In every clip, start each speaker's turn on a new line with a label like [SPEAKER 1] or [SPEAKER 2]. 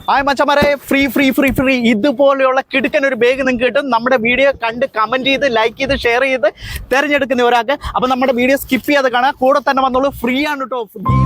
[SPEAKER 1] Hi മച്ചന്മാരെ, free ഇതുപോലെയുള്ള കിടുക്കൻ ഒരു ബാഗ് നിങ്ങൾക്ക് കിട്ടും. നമ്മുടെ വീഡിയോ കണ്ട് കമന്റ് ചെയ്ത് ലൈക്ക് ചെയ്ത് ഷെയർ ചെയ്ത് തിരഞ്ഞെടുക്കുന്ന ഒരാൾക്ക്. അപ്പം നമ്മുടെ വീഡിയോ സ്കിപ്പ് ചെയ്യാതെ കാണാം. കൂടെ തന്നെ വന്നോളൂ, ഫ്രീ ആണ് കേട്ടോ.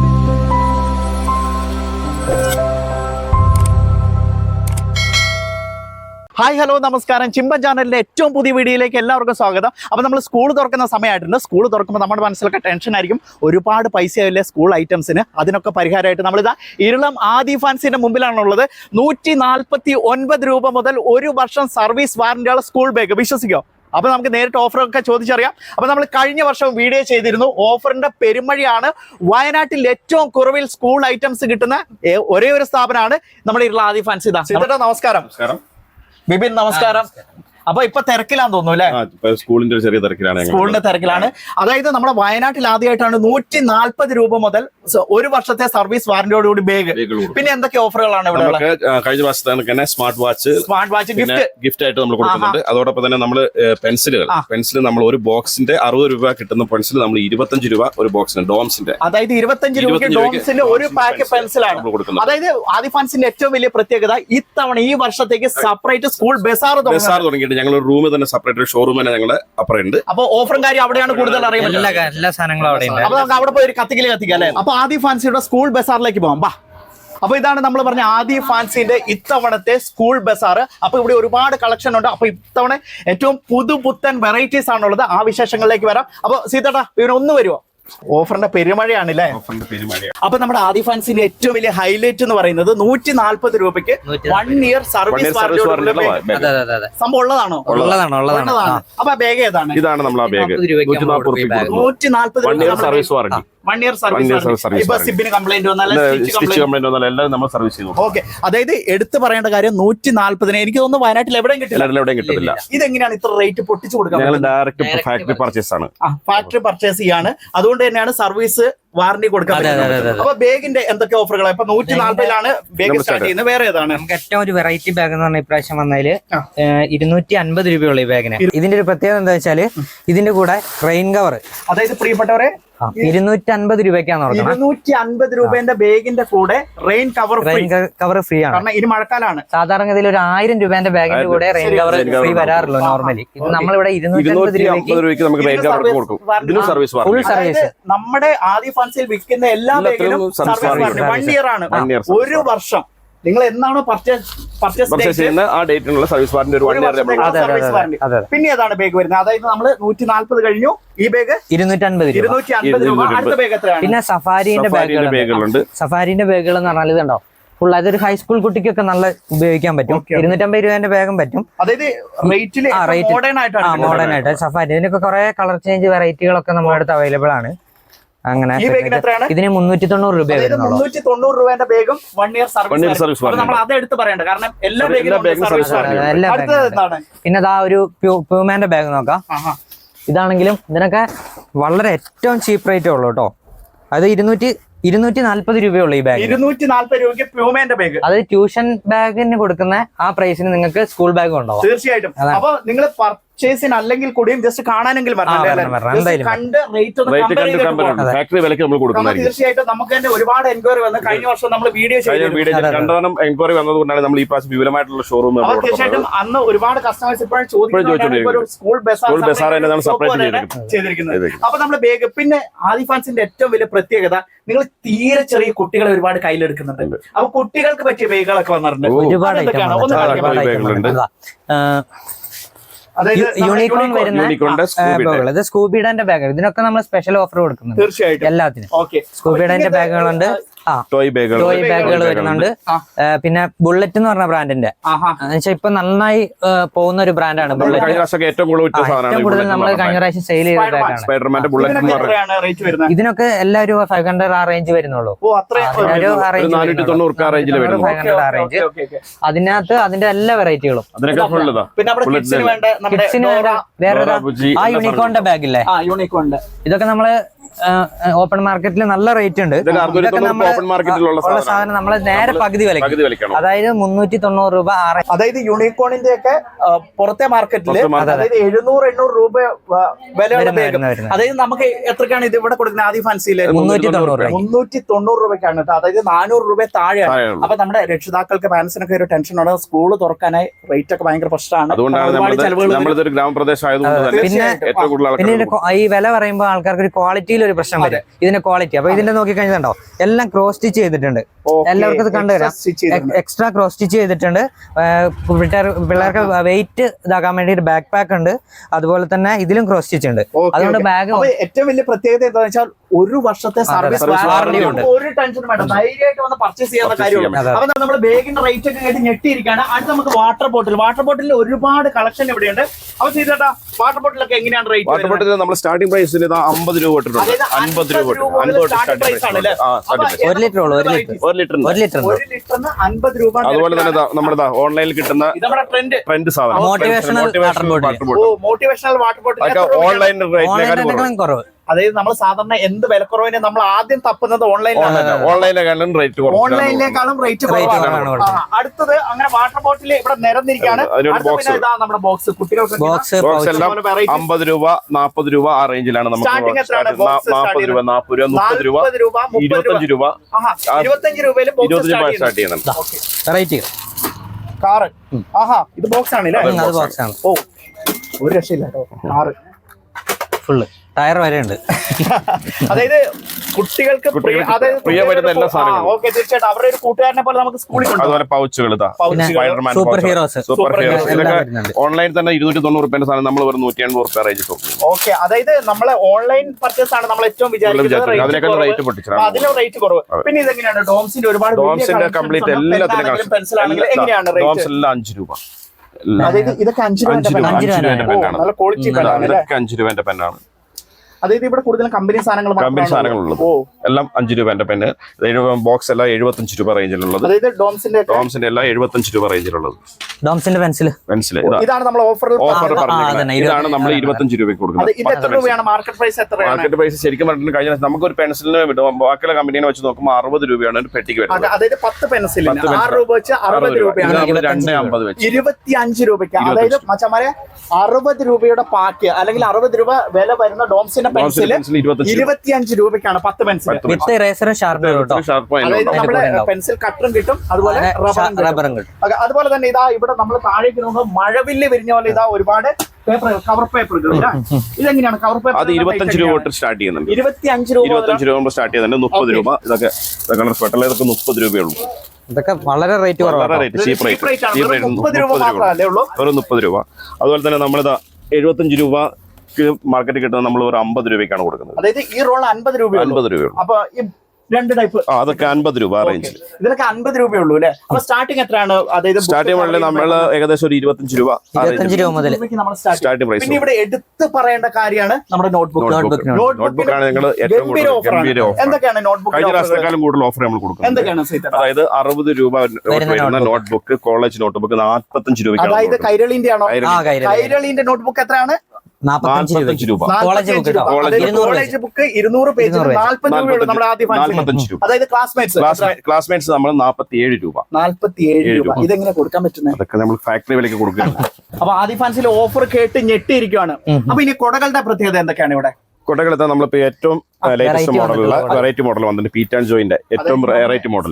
[SPEAKER 1] ഹായ് ഹലോ നമസ്കാരം. ചിമ്പൻ ചാനലിന്റെ ഏറ്റവും പുതിയ വീഡിയോയിലേക്ക് എല്ലാവർക്കും സ്വാഗതം. അപ്പോൾ നമ്മൾ സ്കൂൾ തുറക്കുന്ന സമയമായിട്ടുണ്ട്. സ്കൂൾ തുറക്കുമ്പോൾ നമ്മുടെ മനസ്സിലൊക്കെ ടെൻഷൻ ആയിരിക്കും, ഒരുപാട് പൈസയാവില്ലേ സ്കൂൾ ഐറ്റംസിന്. അതിനൊക്കെ പരിഹാരമായിട്ട് നമ്മളിതാ ഇരളം ആദി ഫാൻസിന്റെ മുമ്പിലാണുള്ളത്. 149 രൂപ മുതൽ 1 വർഷം സർവീസ് വാറന്റിയുള്ള സ്കൂൾ ബാഗ്. വിശ്വസിക്കോ? അപ്പോൾ നമുക്ക് നേരിട്ട് ഓഫറൊക്കെ ചോദിച്ചറിയാം. അപ്പോൾ നമ്മൾ കഴിഞ്ഞ വർഷം വീഡിയോ ചെയ്തിരുന്നു. ഓഫറിന്റെ പെരുമഴയാണ്. വയനാട്ടിൽ ഏറ്റവും കുറവിൽ സ്കൂൾ ഐറ്റംസ് കിട്ടുന്ന ഒരേ ഒരു സ്ഥാപനമാണ് നമ്മുടെ ഇരളം ആദി ഫാൻസ്. ഇതാ നമസ്കാരം. ബിബിൻ നമസ്കാരം. അപ്പൊ ഇപ്പൊ തിരക്കിലാന്ന് തോന്നുന്നു അല്ലെ?
[SPEAKER 2] സ്കൂളിന്റെ ചെറിയ തിരക്കിലാണ്.
[SPEAKER 1] സ്കൂളിന്റെ തിരക്കിലാണ്. അതായത് നമ്മുടെ വയനാട്ടിൽ ആദ്യമായിട്ടാണ് 140 രൂപ മുതൽ 1 വർഷത്തെ സർവീസ് വാറന്റിയോടുകൂടി ബാഗ്. പിന്നെ എന്തൊക്കെ ഓഫറുകളാണ് ഇവിടെ?
[SPEAKER 2] കഴിഞ്ഞ വർഷത്തെ സ്മാർട്ട് വാച്ച് ഗിഫ്റ്റ് ആയിട്ട് നമ്മൾ കൊടുക്കുന്നുണ്ട്. അതോടൊപ്പം തന്നെ നമ്മൾ പെൻസിൽ നമ്മൾ ഒരു ബോക്സിന്റെ 60 രൂപ കിട്ടുന്ന പെൻസിൽ നമ്മൾ 25 രൂപ ഒരു ബോക്സിന് ഡോംസിന്റെ.
[SPEAKER 1] അതായത് 25 രൂപയ്ക്ക് ഡോംസിന്റെ ഒരു പാക്ക് പെൻസിലാണ് കൊടുക്കുന്നത്. അതായത് ആദി ഫാൻസിന്റെ ഏറ്റവും വലിയ പ്രത്യേകത ഇത്തവണ ഈ വർഷത്തേക്ക് സെപ്പറേറ്റ് സ്കൂൾ ബസാർ
[SPEAKER 2] തുടങ്ങിയിട്ട് ഞങ്ങൾ റൂം തന്നെ സെപ്പറേറ്റ് ഷോറൂം തന്നെ ഞങ്ങൾ അപ്പുറമുണ്ട്.
[SPEAKER 1] അപ്പൊ ഓഫറും കാര്യം അവിടെയാണ് കൂടുതൽ അറിയുന്നത്.
[SPEAKER 3] എല്ലാ സാധനങ്ങളും അവിടെ.
[SPEAKER 1] അപ്പൊ നമുക്ക് അവിടെ പോയി ഒരു കത്തിക്കാം അല്ലെ? അപ്പൊ ആദി ഫാൻസിയുടെ സ്കൂൾ ബസാറിലേക്ക് പോകാം. ബാ. അപ്പൊ ഇതാണ് നമ്മൾ പറഞ്ഞ ആദി ഫാൻസിന്റെ ഇത്തവണത്തെ സ്കൂൾ ബസാർ. അപ്പൊ ഇവിടെ ഒരുപാട് കളക്ഷൻ ഉണ്ട്. അപ്പൊ ഇത്തവണ ഏറ്റവും പുതുപുത്തൻ വെറൈറ്റീസ് ആണുള്ളത്. ആ വിശേഷങ്ങളിലേക്ക് വരാം. അപ്പൊ സീതേട്ടാ ഇവരൊന്ന് വരുമോ? ഓഫറിന്റെ പെരുമഴയാണല്ലേ? അപ്പൊ നമ്മുടെ ആദി ഫാൻസിന്റെ ഏറ്റവും വലിയ ഹൈലൈറ്റ് എന്ന് പറയുന്നത് 140 രൂപയ്ക്ക് 1 ഇയർ സർവീസ് സംഭവം ഉള്ളതാണോ? ഉള്ളതാണ്. അപ്പൊ ബാഗ് ഏതാണ്?
[SPEAKER 2] ഇതാണ് നമ്മൾ ആ bag.
[SPEAKER 1] 140
[SPEAKER 2] service warranty.
[SPEAKER 1] 1 year service. ഇപ്പൊ സിബിന് കംപ്ലൈന്റ്
[SPEAKER 2] വന്നാലും എല്ലാം നമ്മൾ സർവീസ് ചെയ്യുന്നു.
[SPEAKER 1] ഓക്കെ. അതായത് എടുത്തു പറയേണ്ട കാര്യം 140 എനിക്ക് തോന്നുന്നു വയനാട്ടിൽ എവിടെയും കിട്ടില്ല. ഇതെങ്ങനെയാണ് ഇത്ര റേറ്റ് പൊട്ടിച്ചു കൊടുക്കുന്നത്?
[SPEAKER 2] ഡയറക്റ്റ് ഫാക്ടറി പർച്ചേസ് ആണ്.
[SPEAKER 1] ഫാക്ടറി പർച്ചേസ് ചെയ്യാണ്. അതുകൊണ്ട് തന്നെയാണ് സർവീസ് വാറന്റി കൊടുക്കാൻ. അപ്പൊ ബാഗിന്റെ എന്തൊക്കെ ഓഫറുകളാണ്? ഇപ്പൊ 140 ബാഗ് സ്റ്റാർട്ട് ചെയ്യുന്നത്. വേറെ ഏതാണ്?
[SPEAKER 3] നമുക്ക് ഏറ്റവും ഒരു വെറൈറ്റി ബാഗ് എന്ന് പറഞ്ഞ ഇപ്രാവശ്യം വന്നതില് 250 രൂപയുള്ള ഈ ബാഗിന്. ഇതിന്റെ ഒരു പ്രത്യേകത എന്താ വെച്ചാല് ഇതിന്റെ കൂടെ റെയിൻ കവർ.
[SPEAKER 1] അതായത് പ്രിയപ്പെട്ടവരെ
[SPEAKER 3] 250 രൂപയ്ക്കാണ്
[SPEAKER 1] 250 രൂപേന്റെ ബാഗിന്റെ കൂടെ റെയിൻ കവർ
[SPEAKER 3] ഫ്രീ ആണ്.
[SPEAKER 1] കാരണം ഇനി മഴക്കാലാണ്.
[SPEAKER 3] സാധാരണഗതിയിൽ ഒരു 1000 രൂപേന്റെ ബാഗിന്റെ കൂടെ റെയിൻ കവർ ഫ്രീ വരാറുള്ളൂ നോർമലി. ഇത് നമ്മളിവിടെ 250 രൂപയ്ക്ക്
[SPEAKER 2] ഫുൾ
[SPEAKER 3] സർവീസ്.
[SPEAKER 1] നമ്മുടെ ആദി ഫാൻസിൽ വിൽക്കുന്ന എല്ലാ ബാഗിലും സർവീസ് 1 ഇയർ ആണ്. 1 വർഷം. നിങ്ങൾ എന്നാണോ പർച്ചേസ്
[SPEAKER 2] ചെയ്യുന്ന ആ ഡേറ്റിനുള്ള സർവീസ് വാറന്റി.
[SPEAKER 1] പിന്നെ ഏതാണ് ബാഗ് വരുന്നത്? അതായത് നമ്മള് 140 കഴിഞ്ഞു. ഈ ബാഗ്
[SPEAKER 3] 250
[SPEAKER 1] രൂപ. അടുത്ത ബാഗ് എത്രയാണ്?
[SPEAKER 3] പിന്നെ സഫാരിന്റെ ബാഗുകളുണ്ട്. സഫാരിന്റെ ബാഗുകൾ എന്ന് പറഞ്ഞാൽ ഇതുണ്ടോ ഫുൾ. അതൊരു ഹൈസ്കൂൾ കുട്ടിക്കൊക്കെ നല്ല ഉപയോഗിക്കാൻ പറ്റും. 250 രൂപേന്റെ ബാഗും പറ്റും.
[SPEAKER 1] അതായത് മോഡേൺ
[SPEAKER 3] ആയിട്ട് സഫാരി. ഇതിനൊക്കെ കുറെ കളർ ചേഞ്ച് വെറൈറ്റികളൊക്കെ നമ്മുടെ അടുത്ത് അവൈലബിൾ ആണ്. അങ്ങനെ ഇതിന് 390 രൂപ വരുന്നുള്ളൂ.
[SPEAKER 1] 390 രൂപേന്റെ ബാഗും 1 ഇയർ സർവീസ്. നമ്മൾ അത് എടുത്ത് പറയണ്ട, കാരണം എല്ലാ ബാഗിലും.
[SPEAKER 3] പിന്നെ ഇതാ ഒരു പ്യൂമാന്റെ ബാഗ് നോക്കാം. ഇതാണെങ്കിലും ഇതിനൊക്കെ വളരെ ഏറ്റവും ചീപ്പ് റേറ്റേ ഉള്ളൂ കേട്ടോ. അത് 240 രൂപയുള്ളൂ ഈ ബാഗ്.
[SPEAKER 1] 240 രൂപയ്ക്ക് പ്യൂമാന്റെ ബാഗ്.
[SPEAKER 3] അത് ട്യൂഷൻ ബാഗിന് കൊടുക്കുന്ന ആ പ്രൈസിന് നിങ്ങൾക്ക് സ്കൂൾ ബാഗ് ഉണ്ടാവും
[SPEAKER 1] തീർച്ചയായിട്ടും. അപ്പൊ നിങ്ങൾ പർച്ചേസിന് അല്ലെങ്കിൽ കൂടിയും ജസ്റ്റ് കാണാനെങ്കിലും തീർച്ചയായിട്ടും നമുക്ക് തന്നെ ഒരുപാട് എൻക്വയറി വന്നു. കഴിഞ്ഞ വർഷം നമ്മൾ വീഡിയോ
[SPEAKER 2] എൻക്വയറി വന്നതുകൊണ്ടാണ് നമ്മൾ ഈ പ്രാവശ്യം വിപുലമായിട്ടുള്ള ഷോറൂം.
[SPEAKER 1] തീർച്ചയായിട്ടും അന്ന് ഒരുപാട് കസ്റ്റമേഴ്സ് ഇപ്പോഴും ചോദിക്കുന്നത് സ്കൂൾ ബസാർ ചെയ്തിരിക്കുന്നത്. അപ്പൊ നമ്മുടെ ബാഗ്. പിന്നെ ആദി ഫാൻസിന്റെ ഏറ്റവും വലിയ പ്രത്യേകത, നിങ്ങൾ തീരെ ചെറിയ കുട്ടികളെ ഒരുപാട് കയ്യിലെടുക്കുന്നുണ്ട്. അപ്പൊ കുട്ടികൾക്ക് പറ്റിയ ബാഗുകളൊക്കെ വന്നിട്ടുണ്ട്.
[SPEAKER 3] ഒരുപാട് യൂണിക്കോൺ വരുന്ന സ്കൂബിഡന്റെ ബാഗ്. ഇതിനൊക്കെ നമ്മൾ സ്പെഷ്യൽ ഓഫർ കൊടുക്കുന്നുണ്ട്.
[SPEAKER 1] തീർച്ചയായിട്ടും
[SPEAKER 3] എല്ലാത്തിനും. സ്കൂബിഡന്റെ ബാഗുകളുണ്ട്. ടോയ് ബാഗുകൾ വരുന്നുണ്ട്. പിന്നെ ബുള്ളറ്റ് എന്ന് പറഞ്ഞ ബ്രാൻഡിന്റെ ഇപ്പൊ നന്നായി പോകുന്ന ഒരു ബ്രാൻഡാണ് ബുള്ളറ്റ്. ഏറ്റവും കൂടുതൽ നമ്മൾ കഴിഞ്ഞ പ്രാവശ്യം സെയിൽ ചെയ്ത ബാഗാണ്. ഇതിനൊക്കെ എല്ലാവരും 500 ആ റേഞ്ച് വരുന്നുള്ളൂ.
[SPEAKER 2] 490
[SPEAKER 3] 500 ആ റേഞ്ച്. അതിനകത്ത് അതിന്റെ എല്ലാ വെറൈറ്റികളും. കിഡ്സിന് വേറെ ആ യൂണിക്കോണിന്റെ ബാഗില്ലേ, ഇതൊക്കെ നമ്മള് ഓപ്പൺ മാർക്കറ്റിൽ നല്ല റേറ്റ് ഉണ്ട്. ഇതൊക്കെ നമ്മള്
[SPEAKER 2] ഓപ്പൺ മാർക്കറ്റിലുള്ള
[SPEAKER 3] സാധനം നമ്മൾ നേരെ പകുതി വിലക്കാണ്. അതായത് 390 രൂപ.
[SPEAKER 1] അതായത് യൂണിക്കോണിന്റെ ഒക്കെ പുറത്തെ മാർക്കറ്റില് അതായത് 700-800 രൂപ വിലയുള്ള ബാഗ്. അതായത് നമുക്ക് എത്രക്കാണ് ഇത് ഇവിടെ കൊടുക്കുന്നത്? ആദ്യ ഫാൻസിയില് 390 രൂപയ്ക്കാണ് കേട്ടോ. അതായത് 400 രൂപ താഴെയാണ്. അപ്പൊ നമ്മുടെ രക്ഷിതാക്കൾക്ക് പാരന്റ്സിനൊക്കെ ഒരു ടെൻഷനാണ്. സ്കൂൾ തുറക്കാനായി റേറ്റ് ഒക്കെ ഭയങ്കര പ്രശ്നമാണ്.
[SPEAKER 3] പിന്നെ ഈ വില പറയുമ്പോൾ ആൾക്കാർക്ക് ഒരു ക്വാളിറ്റിയിൽ ഒരു പ്രശ്നം വരും. ഇതിന്റെ ക്വാളിറ്റി അപ്പൊ ഇതിന്റെ നോക്കി കഴിഞ്ഞിട്ടുണ്ടോ എല്ലാം ക്രോസ് സ്റ്റിച്ച് ചെയ്തിട്ടുണ്ട്. എല്ലാവർക്കും ഇത് കണ്ടുവരാം. എക്സ്ട്രാ ക്രോസ് സ്റ്റിച്ച് ചെയ്തിട്ടുണ്ട്. പിള്ളേർക്ക് വെയിറ്റ് ഇതാക്കാൻ വേണ്ടി ഒരു ബാക്ക് പാക്ക് ഉണ്ട്. അതുപോലെ തന്നെ ഇതിലും ക്രോസ് സ്റ്റിച്ച് ഉണ്ട്. അതുകൊണ്ട് ബാഗ്
[SPEAKER 1] ഏറ്റവും വലിയ പ്രത്യേകത എന്താണെന്ന് വെച്ചാൽ 1 വർഷത്തെ സർവീസ് വാറണ്ടി ഉണ്ട്. ഒരു ടെൻഷനും വേണ്ട, ധൈര്യമായിട്ട് വന്ന് പർച്ചേസ് ചെയ്യാവുന്ന കാര്യമുള്ളൂ. അപ്പൊ നമ്മൾ ബാഗിന്റെ റേറ്റ് ഒക്കെ കേട്ട് ഞെട്ടിയിരിക്കുകയാണ്. അടുത്ത് നമുക്ക് വാട്ടർ ബോട്ടിൽ ഒരുപാട് കളക്ഷൻ ഇവിടെയുണ്ട്. അപ്പൊ ചെയ്തേട്ടാ വാട്ടർ ബോട്ടിലൊക്കെ എങ്ങനെയാണ് റേറ്റ്?
[SPEAKER 2] വാട്ടർ ബോട്ടിൽ നമ്മൾ സ്റ്റാർട്ടിംഗ് പ്രൈസിൽ 50 രൂപ ഇട്ടിട്ടുണ്ട്. 50 രൂപ
[SPEAKER 3] 1 ലിറ്റർ
[SPEAKER 2] 1 ലിറ്ററിന്
[SPEAKER 1] 50 രൂപ.
[SPEAKER 2] അതുപോലെ തന്നെ നമ്മുടെ ഓൺലൈനിൽ കിട്ടുന്ന ട്രെൻഡ് സാധനം
[SPEAKER 3] മോട്ടിവേഷണൽ
[SPEAKER 1] വാട്ടർ ബോട്ടിൽ
[SPEAKER 2] ഓൺലൈൻ റേറ്റിനേക്കാളും
[SPEAKER 3] കുറവ്.
[SPEAKER 1] അതായത് നമ്മൾ സാധാരണ എന്ത് വിലക്കുറവിന് നമ്മൾ ആദ്യം തപ്പുന്നത് ഓൺലൈനിലേക്കാളും റേറ്റ് കുറവാണ്. അടുത്തത് അങ്ങനെ വാട്ടർ ബോട്ടിൽ ഇവിടെ നിരന്നിരിക്കുകയാണ്. നമ്മുടെ ബോക്സ് കുട്ടികൾക്ക്
[SPEAKER 2] 50 രൂപ 40 രൂപ ആ റേഞ്ചിലാണ് നമുക്ക് 40 രൂപ 40 രൂപ 30 രൂപ 25 രൂപ
[SPEAKER 1] 25 രൂപയിൽ
[SPEAKER 2] സ്റ്റാർട്ട് ചെയ്യുന്നുണ്ട്.
[SPEAKER 1] കാറ് ഇത് ബോക്സ് ആണല്ലേ? ഓ ഒരു രക്ഷയില്ല കേട്ടോ. കാറ്
[SPEAKER 3] ഫുള്ള് ടയർ വരെ ഉണ്ട്.
[SPEAKER 1] അതായത് കുട്ടികൾക്ക് തീർച്ചയായിട്ടും അവരുടെ ഒരു കൂട്ടുകാരനെ പോലെ നമുക്ക് സ്കൂളിൽ
[SPEAKER 3] സൂപ്പർ ഹീറോസ്
[SPEAKER 2] ഓൺലൈൻ തന്നെ 290 രൂപ സാധനം നമ്മൾ 180 രൂപ റേഞ്ച്.
[SPEAKER 1] ഓക്കെ, അതായത് നമ്മളെ ഓൺലൈൻ പർച്ചേസ് ആണ് നമ്മൾ ഏറ്റവും വിചാരിക്കുന്നത് അതിലും റേറ്റ് കുറവ്. പിന്നെ ഇതെങ്ങനെയാണ് ഡോംസിന്റെ ഒരുപാട്
[SPEAKER 2] കംപ്ലീറ്റ് എല്ലാത്തിനും
[SPEAKER 1] പെൻസിൽ ആണെങ്കിൽ എങ്ങനെയാണ് റേറ്റ്?
[SPEAKER 2] 5 രൂപ.
[SPEAKER 1] അതായത് ഇതൊക്കെ 5 രൂപ നല്ല ക്വാളിറ്റി
[SPEAKER 2] പെന്നാണ്.
[SPEAKER 1] അതായത് ഇവിടെ കൂടുതലും കമ്പനി
[SPEAKER 2] സാധനങ്ങളുള്ളത് എല്ലാം 5 രൂപന്റെ പെന്ന്. ബോക്സ് എല്ലാം 75 രൂപ റേഞ്ചിലുള്ളത്. ഡോംസിന്റെ എല്ലാം 75 രൂപ റേഞ്ചിലുള്ളത്.
[SPEAKER 3] ഡോംസിന്റെ പെൻസിൽ
[SPEAKER 1] ഇതാണ് നമ്മൾ ഓഫർ
[SPEAKER 2] ഇതാണ് നമ്മൾ 25 രൂപയ്ക്ക് കൊടുക്കുന്നത്.
[SPEAKER 1] മാർക്കറ്റ്
[SPEAKER 2] പ്രൈസ് ശരിക്കും പറഞ്ഞിട്ട് കഴിഞ്ഞ നമുക്ക് ഒരു പെൻസിലിന് ബാക്കിയുള്ള കമ്പനീനെ വെച്ച് നോക്കുമ്പോൾ 60 രൂപയാണ് ഒരു പെട്ടിക്ക് വരുന്നത്.
[SPEAKER 1] അതായത് 10 പെൻസിലിന് 6 രൂപ വെച്ച് 60 രൂപയാണ്.
[SPEAKER 2] 250 വെച്ച്
[SPEAKER 1] 25 രൂപയ്ക്ക് അതായത് മച്ചമാരെ 60 രൂപയുടെ പാക്ക് അല്ലെങ്കിൽ 60 രൂപ വില വരുന്ന ഡോംസിന്റെ പെൻസിൽ 25 രൂപയ്ക്കാണ് 10 പെൻസിൽ. പെൻസിൽ കട്ടറും കിട്ടും, അതുപോലെ റബ്ബറും കിട്ടും. അതുപോലെ തന്നെ ഇതാ ഇവിടെ നമ്മൾ താഴേക്ക് നോക്കുമ്പോൾ മഴവില്ല് വിരിഞ്ഞ പോലെ ഇതാ ഒരുപാട് കവർ പേപ്പറുകൾ. ഇതെങ്ങനെയാണ് കവർ പേപ്പർ?
[SPEAKER 2] അത് 25 രൂപ തൊട്ട് സ്റ്റാർട്ട് ചെയ്യുന്നുണ്ട്.
[SPEAKER 1] 25 രൂപ
[SPEAKER 2] സ്റ്റാർട്ട് ചെയ്യുന്നുണ്ട്. 30 രൂപ ഇതൊക്കെ കളർ സ്പെട്ടൽ ഇതൊക്കെ 30 രൂപയുള്ളൂ.
[SPEAKER 3] ഇതൊക്കെ വളരെ റേറ്റ് കുറവാണ്.
[SPEAKER 2] ചീപ്പ് റേറ്റ് 30 രൂപ. വെറും 30 രൂപ. അതുപോലെ തന്നെ നമ്മളിതാ 75 രൂപ മാർക്കറ്റിൽ കിട്ടുന്നത് നമ്മൾ ഒരു 50 രൂപയ്ക്കാണ് കൊടുക്കുന്നത്.
[SPEAKER 1] അതായത് ഈ റോൾ 50 രൂപയുള്ളൂ. അപ്പൊ രണ്ട് ടൈപ്പ്
[SPEAKER 2] അതൊക്കെ 50 രൂപ റേഞ്ചിൽ.
[SPEAKER 1] ഇതിലൊക്കെ 50 രൂപയുള്ളൂ അല്ലേ? അപ്പൊ സ്റ്റാർട്ടിംഗ് എത്രയാണ്? അതായത്
[SPEAKER 2] സ്റ്റാർട്ടിംഗ് മുതൽ നമ്മൾ ഏകദേശം ഒരു 25 രൂപ
[SPEAKER 3] മുതൽ
[SPEAKER 2] സ്റ്റാർട്ടിംഗ് പ്രൈസ്.
[SPEAKER 1] പിന്നെ ഇവിടെ എടുത്ത് പറയേണ്ട കാര്യമാണ് നമ്മുടെ നോട്ട്ബുക്ക്
[SPEAKER 2] ആണ്. നിങ്ങൾ ഏറ്റവും ഗംഭീര ഓഫർ.
[SPEAKER 1] എന്തൊക്കെയാണ് നോട്ട്ബുക്ക്?
[SPEAKER 2] കഴിഞ്ഞ പ്രാവശ്യത്തെക്കാളും കൂടുതൽ ഓഫർ നമ്മൾ കൊടുക്കുന്നത്.
[SPEAKER 1] എന്തൊക്കെയാണ്?
[SPEAKER 2] അതായത് 60 രൂപ വരുന്ന നോട്ട്ബുക്ക്, കോളേജ് നോട്ട്ബുക്ക് 45 രൂപ.
[SPEAKER 1] അതായത് കൈരളിന്റെ ആണോ? കൈരളിന്റെ നോട്ട്ബുക്ക് എത്രയാണ്?
[SPEAKER 3] 45 രൂപ.
[SPEAKER 1] കോളേജ് ബുക്ക് 200 പേജ് 40 രൂപയുള്ളൂ നമ്മുടെ ആദ്യ. അതായത്
[SPEAKER 2] ക്ലാസ്മേറ്റ്സ് നമ്മൾ 47 രൂപ.
[SPEAKER 1] 47 രൂപ. ഇതെങ്ങനെ കൊടുക്കാൻ പറ്റുന്നത്?
[SPEAKER 2] അതൊക്കെ നമ്മൾ ഫാക്ടറി വിലക്ക് കൊടുക്കുകയാണ്.
[SPEAKER 1] അപ്പൊ ആദ്യ ഫാൻസിൽ ഓഫർ കേട്ട് ഞെട്ടിയിരിക്കുകയാണ്. അപ്പൊ ഇനി കൊടകളുടെ പ്രത്യേകത എന്തൊക്കെയാണ് ഇവിടെ?
[SPEAKER 2] കൊടകളത്തെ നമ്മളിപ്പോ ഏറ്റവും ലേറ്റസ്റ്റ് മോഡലുള്ള വെറൈറ്റി മോഡൽ വന്നിട്ട് പീറ്റ് ആൻഡ് ജോയിന്റെ ഏറ്റവും വെറൈറ്റി മോഡൽ.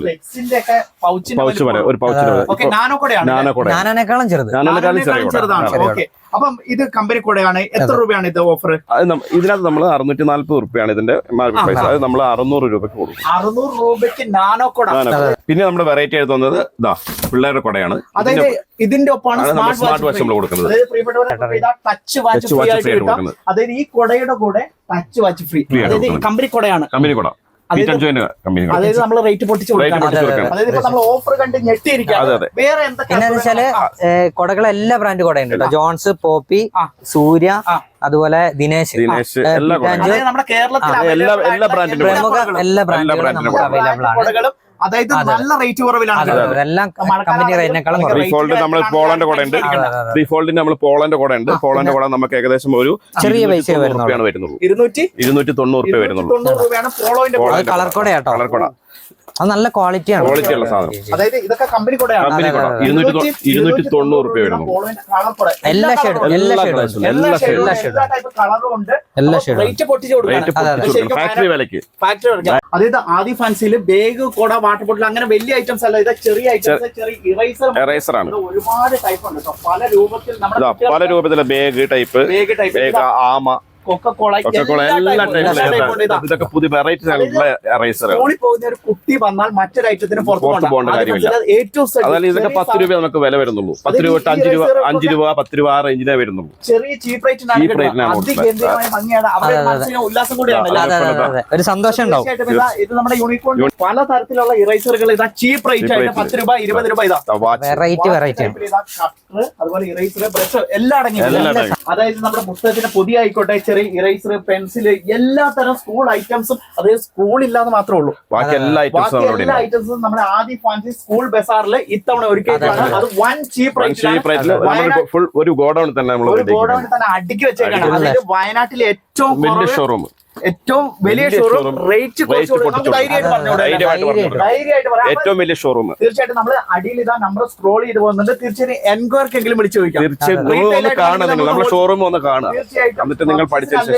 [SPEAKER 2] പൗച്ച് വരെ ഒരു പൗച്ച്
[SPEAKER 3] നാനോനേക്കാളും
[SPEAKER 1] ചെറുതാണ്. അപ്പം ഇത് കമ്പനി കൂടെയാണ്. എത്ര രൂപയാണ് ഇത് ഓഫർ?
[SPEAKER 2] ഇതിനകത്ത് നമ്മൾ 640 രൂപയാണ് ഇതിന്റെ മാർക്കറ്റ് പ്രൈസ്. അത് നമ്മൾ 600 രൂപയ്ക്ക് കൊടുക്കും.
[SPEAKER 1] 600 രൂപയ്ക്ക് നാനോ കൊട.
[SPEAKER 2] പിന്നെ നമ്മുടെ വെറൈറ്റി ആയിട്ട് തന്നത് ഇതാ പിള്ളേരുടെ കൊടയാണ്.
[SPEAKER 1] അതായത് ഇതിന്റെ ഒപ്പമാണ്
[SPEAKER 2] സ്മാർട്ട് വാച്ച് നമ്മൾ കൊടുക്കുന്നത്.
[SPEAKER 1] ടച്ച് വാച്ച് ഫ്രീ ആയിട്ട് കിട്ടും. അതായത് ഈ കൊടയുടെ കൂടെ ടച്ച് വാച്ച് ഫ്രീ. അതായത് കമ്പനി കൊടയാണ്.
[SPEAKER 2] കമ്പനി കൊട.
[SPEAKER 1] അതായത് നമ്മൾ റേറ്റ് പൊട്ടിച്ച് കൊടുക്കണം. അതായത് ഇപ്പൊ നമ്മൾ ഓഫർ കണ്ട് ഞെട്ടിയിരിക്കുകയാണ്. വേറെ
[SPEAKER 3] എന്താണെന്ന് വെച്ചാല് കൊടകൾ എല്ലാ ബ്രാൻഡ് കൊടയുണ്ട്. ജോൺസ്, പോപ്പി, സൂര്യ, അതുപോലെ ദിനേശ്.
[SPEAKER 1] നമ്മുടെ കേരളത്തിലെ
[SPEAKER 2] എല്ലാ ബ്രാൻഡിലും
[SPEAKER 3] എല്ലാ ബ്രാൻഡുകളും നമുക്ക് അവൈലബിൾ ആണ്.
[SPEAKER 1] അതായത് നല്ല റേറ്റ് കുറവിലാണ്.
[SPEAKER 2] നമ്മൾ പോളന്റെ കൂടെ ഉണ്ട്. റീഫോൾഡിന് നമ്മൾ പോളന്റെ കൂടെ ഉണ്ട്. പോളന്റെ കൂടെ നമുക്ക് ഏകദേശം ഒരു
[SPEAKER 3] ചെറിയ പൈസ
[SPEAKER 2] വരുന്നുള്ളൂ. 290 രൂപ വരുന്നുള്ളൂ.
[SPEAKER 3] കളർ കൊട. അത് നല്ല ക്വാളിറ്റിയാണ്.
[SPEAKER 2] ക്വാളിറ്റി ഉള്ള സാധനം.
[SPEAKER 1] അതായത് ഇതൊക്കെ കമ്പനി കൂടെയാണ്.
[SPEAKER 2] കമ്പനി കൂടെ 290 രൂപ വരുന്നു.
[SPEAKER 3] എല്ലാ ഷെയ്ഡും
[SPEAKER 2] ഫാക്ടറി വിലക്ക്.
[SPEAKER 1] അതായത് ആദി ഫാൻസിയിൽ ബാഗ് കൊട വാട്ടർ ബോട്ടിൽ അങ്ങനെ വലിയ ഐറ്റംസ് അല്ല, ഇത് ചെറിയ ഐറ്റംസ്, ചെറിയ
[SPEAKER 2] ഇറേസർ ആണ്.
[SPEAKER 1] ഒരുപാട് ടൈപ്പ് ഉണ്ട്. പല രൂപത്തിൽ
[SPEAKER 2] പല രൂപത്തിലെ ബാഗ് ടൈപ്പ്, ആമ,
[SPEAKER 1] കൊക്കക്കോള
[SPEAKER 2] ഇതൊക്കെ പുതിയ വെറൈറ്റി ഇറേസർ.
[SPEAKER 1] സ്കൂളിൽ പോകുന്ന ഒരു കുട്ടി വന്നാൽ മറ്റൊരു ഐറ്റത്തിന് പുറത്ത്
[SPEAKER 2] പോകേണ്ട കാര്യമില്ല. അതായത് ഇതൊക്കെ 10 രൂപ നമുക്ക് വില വരുന്നുള്ളൂ. 10 രൂപ തൊട്ട് 5 രൂപ 10 രൂപ ആ റേഞ്ചിനെ വരുന്നുള്ളൂ.
[SPEAKER 1] ചെറിയ ചീപ്പ് റേറ്റിനാണ് ഉല്ലാസം കൂടിയാണ്,
[SPEAKER 3] ഒരു സന്തോഷം ഉണ്ടാവും.
[SPEAKER 1] ഇത് നമ്മുടെ യൂണിക്കോൺ പല തരത്തിലുള്ള ഇറേസറുകൾ ഇതാ ചീപ്പ് റേറ്റ് ആയിട്ട് 10 രൂപ 20 രൂപ ഇതാ
[SPEAKER 3] വെറൈറ്റി
[SPEAKER 1] അതുപോലെ ഇറേസർ ബ്രഷ് എല്ലാം അടങ്ങിയിട്ടുണ്ട്. അതായത് നമ്മുടെ പുസ്തകത്തിന് പുതിയ ആയിക്കോട്ടെ, ചെറിയ ഇറേസർ, പെൻസിൽ, എല്ലാ തരം സ്കൂൾ ഐറ്റംസും, അതായത് സ്കൂളില്ലാന്ന് മാത്രമേ ഉള്ളൂ.
[SPEAKER 2] ബാക്കി എല്ലാ
[SPEAKER 1] ഐറ്റംസും നമ്മുടെ ആദി ഫാൻസി സ്കൂൾ ബസാറിൽ ഇത്തവണ ഒരുക്കിയിട്ടാണ്. അത് വൺ ചീപ്പ്
[SPEAKER 2] ഫുൾ ഒരു ഗോഡൌൺ തന്നെ
[SPEAKER 1] അടുക്കി വെച്ചേക്കാണ്. അതായത് വയനാട്ടിലെ ഏറ്റവും
[SPEAKER 2] വലിയ ഷോറൂം,
[SPEAKER 1] ഏറ്റവും വലിയ ഷോറൂം, റേറ്റ്
[SPEAKER 2] ഏറ്റവും വലിയ ഷോറൂം.
[SPEAKER 1] തീർച്ചയായിട്ടും നമ്മൾ അടിയിൽ ഇതാ നമ്പർ സ്ക്രോൾ ചെയ്ത് പോകുന്നുണ്ട്. തീർച്ചയായും എൻക്വയർക്കെങ്കിലും വിളിച്ചു ചോദിക്കാം.
[SPEAKER 2] നമ്മുടെ ഷോറൂം ഒന്ന് കാണുക, എന്നിട്ട് നിങ്ങൾ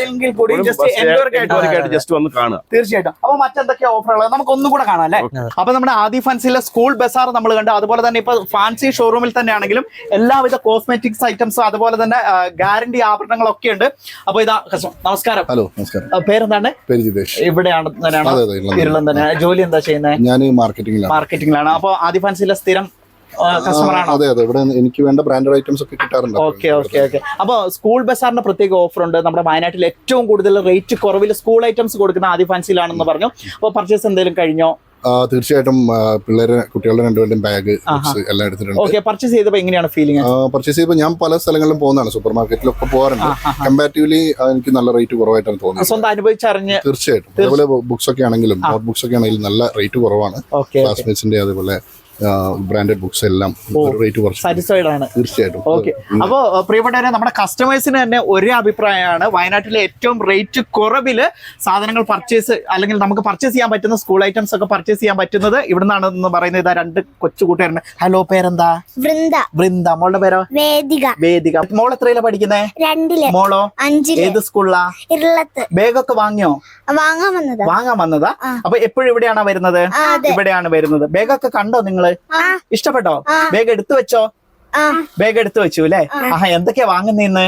[SPEAKER 2] ജസ്റ്റ് ഒന്ന് കാണുക.
[SPEAKER 1] തീർച്ചയായിട്ടും. അപ്പൊ മറ്റെന്തൊക്കെയാ ഓഫറുകൾ നമുക്ക് ഒന്നും കൂടെ കാണാം അല്ലെ? അപ്പൊ നമ്മുടെ ആദി ഫാൻസിലെ സ്കൂൾ ബസാർ നമ്മൾ കണ്ടു. അതുപോലെ തന്നെ ഇപ്പൊ ഫാൻസി ഷോറൂമിൽ തന്നെയാണെങ്കിലും എല്ലാവിധ കോസ്മെറ്റിക്സ് ഐറ്റംസും അതുപോലെ തന്നെ ഗ്യാരണ്ടി ആഭരണങ്ങളൊക്കെ ഉണ്ട്. അപ്പൊ ഇതാ നമസ്കാരം.
[SPEAKER 4] ഹലോ, നമസ്കാരം.
[SPEAKER 1] പേരെന്താണ്?
[SPEAKER 4] പേര് ജിതേഷ്.
[SPEAKER 1] ഇവിടെയാണ് ഇരുളം തന്നെ. ജോലി എന്താ ചെയ്യുന്നത്?
[SPEAKER 4] ഞാൻ മാർക്കറ്റിംഗിലാണ്.
[SPEAKER 1] അപ്പൊ ആദി ഫാൻസിലെ സ്ഥിരം കസ്റ്റമർ ആണോ?
[SPEAKER 4] അതെ, ഇവിടെ എനിക്ക് വേണ്ട ബ്രാൻഡഡ് ഐറ്റംസ് ഒക്കെ കിട്ടാറുണ്ട്.
[SPEAKER 1] ഓക്കെ. അപ്പൊ സ്കൂൾ ബസാറിന്റെ പ്രത്യേക ഓഫർ ഉണ്ട്. നമ്മുടെ വയനാട്ടിൽ ഏറ്റവും കൂടുതൽ റേറ്റ് കുറവിൽ സ്കൂൾ ഐറ്റംസ് കൊടുക്കുന്ന ആദി ഫാൻസിലാണെന്ന് പറഞ്ഞു. അപ്പൊ പർച്ചേസ് എന്തെങ്കിലും കഴിഞ്ഞോ?
[SPEAKER 4] തീർച്ചയായിട്ടും കുട്ടികളുടെ രണ്ടുപേരുടെയും ബാഗ് എല്ലാം എടുത്തിട്ടുണ്ട്.
[SPEAKER 1] ഓക്കെ. പർച്ചേസ് ചെയ്തപ്പോൾ എങ്ങനെയാണ് ഫീലിംഗ്?
[SPEAKER 4] പർച്ചേസ് ചെയ്തപ്പോൾ ഞാൻ പല സ്ഥലങ്ങളിലും പോകുന്നതാണ്, സൂപ്പർ മാർക്കറ്റിലൊക്കെ പോകാറുണ്ട്. കമ്പാരിറ്റീവ്ലി എനിക്ക് നല്ല റേറ്റ് കുറവായിട്ടാണ് തോന്നുന്നത്.
[SPEAKER 1] സ്വന്തം അനുഭവിച്ചറിഞ്ഞ്.
[SPEAKER 4] തീർച്ചയായിട്ടും. അതേപോലെ ബുക്സ് ഒക്കെ ആണെങ്കിലും, നോട്ട് ബുക്സ് ഒക്കെ ആണെങ്കിലും നല്ല റേറ്റ് കുറവാണ്. ക്ലാസ്മേറ്റ്സിന്റെ അതേപോലെ ബ്രാൻഡഡ് ബുക്സ് എല്ലാം റേറ്റ് കുറച്ച്
[SPEAKER 1] സാറ്റിസ്ഫൈഡ് ആണ്.
[SPEAKER 4] തീർച്ചയായിട്ടും.
[SPEAKER 1] ഓക്കെ. അപ്പോൾ പ്രിയപ്പെട്ടവരെ, നമ്മുടെ കസ്റ്റമേഴ്സിന് തന്നെ ഒരേ അഭിപ്രായമാണ്. വയനാട്ടിലെ ഏറ്റവും റേറ്റ് കുറവില് സാധനങ്ങൾ പർച്ചേസ് അല്ലെങ്കിൽ നമുക്ക് പർച്ചേസ് ചെയ്യാൻ പറ്റുന്ന സ്കൂൾ ഐറ്റംസ് ഒക്കെ പർച്ചേസ് ചെയ്യാൻ പറ്റുന്നത് ഇവിടുന്നാണ് എന്ന് പറയുന്നത്. ഇതാ രണ്ട് കൊച്ചു കൂട്ടുകാരുണ്ട്. ഹലോ, പേരെന്താ? വൃന്ദ. മോളുടെ പേരോ? വേദിക. മോൾ എത്രയിലാ പഠിക്കുന്നേ? 2 മോളോ? 5. ഏത് സ്കൂളിലാ? ബാഗൊക്കെ വാങ്ങിയോ? വാങ്ങാൻ വന്നതാ. അപ്പൊ എപ്പോഴും ഇവിടെയാണോ വരുന്നത്? ഇവിടെയാണ് വരുന്നത്. ബാഗൊക്കെ കണ്ടോ നിങ്ങള്? ഇഷ്ടപ്പെട്ടോ? ബാഗ് എടുത്തു വെച്ചോ? ബാഗ് എടുത്തു വെച്ചു അല്ലേ? എന്തൊക്കെയാ വാങ്ങുന്നേന്ന്?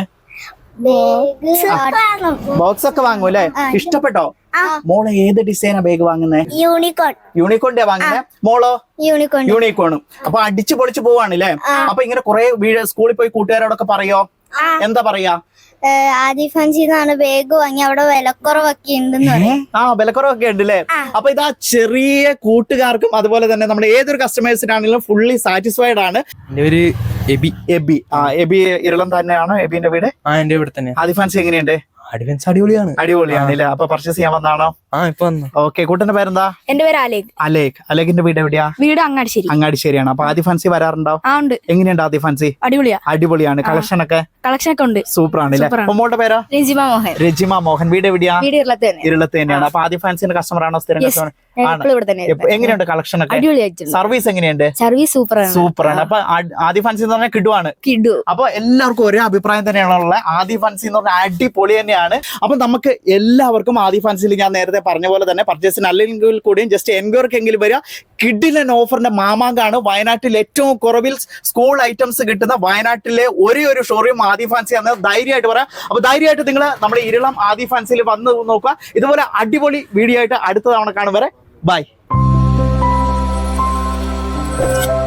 [SPEAKER 1] ബോക്സ് ഒക്കെ വാങ്ങൂ അല്ലേ? ഇഷ്ടപ്പെട്ടോ? മോള് ഏത് ഡിസൈനാ ബാഗ് വാങ്ങുന്നേ? യൂണിക്കോണിന്റെ വാങ്ങുന്നേ. മോളോ? യൂണിക്കോണും. അപ്പൊ അടിച്ചു പൊളിച്ചു പോവാണല്ലേ? അപ്പൊ ഇങ്ങനെ കുറെ സ്കൂളിൽ പോയി കൂട്ടുകാരോടൊക്കെ പറയോ? എന്താ പറയാ?
[SPEAKER 5] ആദി ഫാൻസിന്നാണ് ബാഗ് വാങ്ങി, അവിടെ വിലക്കുറവൊക്കെ ഉണ്ടെന്ന്.
[SPEAKER 1] വിലക്കുറവൊക്കെ ഉണ്ട് അല്ലേ? അപ്പൊ ഇതാ ചെറിയ കൂട്ടുകാർക്കും അതുപോലെ തന്നെ നമ്മുടെ ഏതൊരു കസ്റ്റമേഴ്സിനാണെങ്കിലും ഫുള്ളി സാറ്റിസ്ഫൈഡ് ആണ്. എബി ഇരുളം തന്നെയാണോ എബിന്റെ വീട്?
[SPEAKER 3] എന്റെ വീട് തന്നെ.
[SPEAKER 1] ആദി ഫാൻസി എങ്ങനെയുണ്ട്?
[SPEAKER 3] അടിപൊളിയാണ്
[SPEAKER 1] അല്ലേ? അപ്പൊ പർച്ചേസ് ചെയ്യാൻ വന്നാണോ? ഓക്കെ. കൂട്ടന്റെ പേരെന്താ?
[SPEAKER 5] എന്റെ പേര്
[SPEAKER 1] അലേഖിന്റെ വീട് എവിടെയാ?
[SPEAKER 5] വീട്
[SPEAKER 1] അങ്ങാടിശ്ശേരിയാണ്. അപ്പൊ ആദി ഫാൻസി വരാറുണ്ടോ? എങ്ങനെയുണ്ട് ആദി ഫാൻസി? അടിപൊളിയാണ്. കളക്ഷൻ ഒക്കെ
[SPEAKER 5] ഉണ്ട്.
[SPEAKER 1] സൂപ്പർ ആണല്ലേ? മോളുടെ പേരാ? രജിമ മോഹൻ. വീട് എവിടെയാ? ഇരുളത്ത് തന്നെയാണ്. അപ്പൊ ആദി ഫാൻസിന്റെ കസ്റ്റമർ ആണോ? സ്ഥിരം കസ്റ്റമർ? എങ്ങനെയുണ്ട് കളക്ഷൻ ഒക്കെ? സർവീസ് എങ്ങനെയുണ്ട്?
[SPEAKER 5] സർവീസ്
[SPEAKER 1] സൂപ്പർ ആണ്. അപ്പൊ ആദി ഫാൻസി എന്ന് പറഞ്ഞാൽ കിടുവാണ്. അപ്പൊ എല്ലാവർക്കും ഒരേ അഭിപ്രായം തന്നെയാണുള്ളത്. ആദി ഫാൻസി എന്ന് പറഞ്ഞാൽ അടിപൊളി തന്നെയാണ്. അപ്പൊ നമുക്ക് എല്ലാവർക്കും ആദി ഫാൻസിൽ ഞാൻ നേരത്തെ പറഞ്ഞ പോലെ തന്നെ പർച്ചേസിന് അല്ലെങ്കിൽ കൂടിയും ജസ്റ്റ് എൻക്വയറിക്കെങ്കിലും വരിക. കിഡിലൻ ഓഫറിന്റെ മാമാങ്കാണ്. വയനാട്ടിൽ ഏറ്റവും കുറവിൽ സ്കൂൾ ഐറ്റംസ് കിട്ടുന്ന വയനാട്ടിലെ ഒരേ ഒരു ഷോറൂം ആദി ഫാൻസി ആണ്. ധൈര്യമായിട്ട് പറയാം. അപ്പൊ ധൈര്യമായിട്ട് നിങ്ങൾ നമ്മുടെ ഇരുളം ആദി ഫാൻസിൽ വന്ന് നോക്കുക. ഇതുപോലെ അടിപൊളി വീഡിയോ ആയിട്ട് അടുത്ത തവണ കാണും വരെ ബൈ.